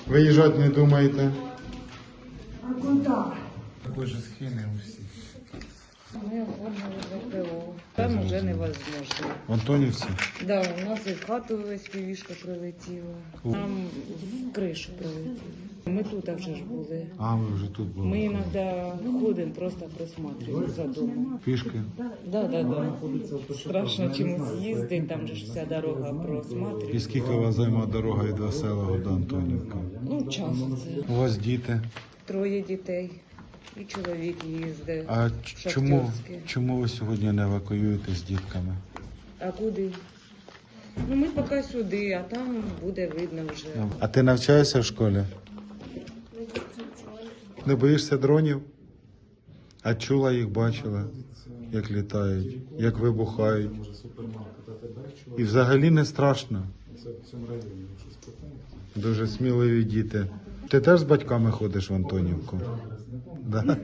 Виїжджати не думаєте? А куди? Такої ж схеми у всіх. Мы оформили ВПО. Там уже невозможно. В Антонівці? Да, у нас і в хату FPV-шка прилетіла. Нам в кришу прилетіла. Ми тут вже ж були. А, ви вже тут були. Ми іноді ходимо, просто просматриваємо за домом. Пішки? Да. Страшно чимось їздити, там же ж вся дорога І просматривається. скільки у вас займе дорога від Веселого до Антонівки? Ну, час це. У вас діти? 3 дітей. І чоловік їздить. А чому, шахтерський. чому ви сьогодні не евакуюєте з дітками? А куди? Ну, ми поки сюди, а там буде видно вже. А ти навчаєшся в школі? Не боїшся дронів? А чула їх, бачила, як літають, як вибухають. І взагалі не страшно. Дуже сміливі діти. Ти теж з батьками ходиш в Антонівку? Да?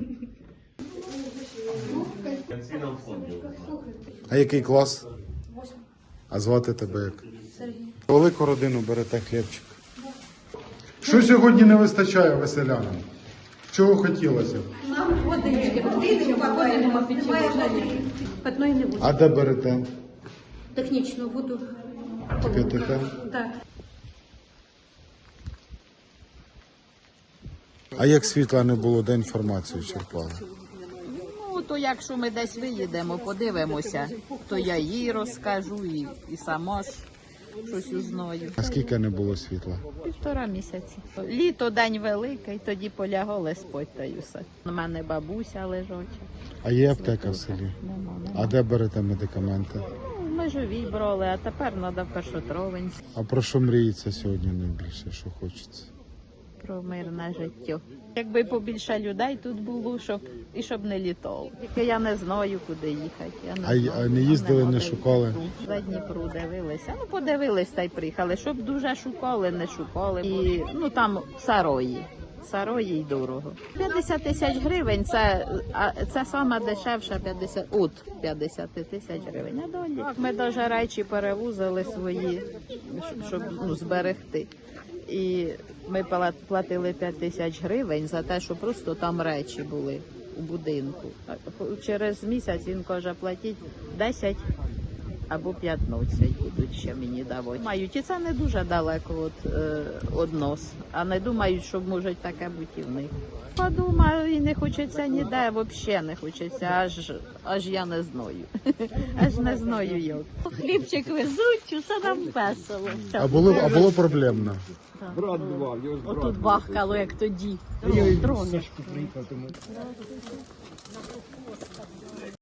А який клас? А звати тебе як? Сергій. Велику родину берете хлібчик. Що сьогодні не вистачає веселянам? Чого хотілося б? Нам водички, води нема питної питної не буде. А де берете? Технічну воду. Кип'ятите? Так. А як світла не було, де інформацію черпали? Ну, то якщо ми десь виїдемо, подивимося, то я їй розкажу і сама ж щось узнаю. А скільки не було світла? 1,5 місяці. Літо, день великий, тоді полягали спать та й усе. У мене бабуся лежача. А є аптека в селі? Нема. А де берете медикаменти? Ну, ми живі брали, а тепер треба в Першотровенськ. А про що мріється сьогодні найбільше, що хочеться? Про мирне життя. Якби побільше людей тут було, щоб не літало. Тільки я не знаю, куди їхати. Я не знаю. А не їздили, Нема не де шукали? їхати. За Дніпру дивилися. Ну, подивились та й приїхали. Щоб дуже шукали, не шукали. І, ну, там сарої. Сарої й дорого. 50 тисяч гривень це саме дешевше 50 тисяч гривень. А далі ми навіть речі перевозили свої, щоб зберегти. І ми платили 5 тисяч гривень за те, що просто там речі були у будинку. А через місяць він каже, платіть 10 або 15 будуть ще мені давати. Мають, і це не дуже далеко від нас, а не думають, що може таке бути і в них. Подумаю, і не хочеться ніде, взагалі не хочеться, аж я не знаю. Аж не знаю як. Хлібчик везуть, усе нам весело. А було проблемно? Отут бахкало, як тоді. Дрони.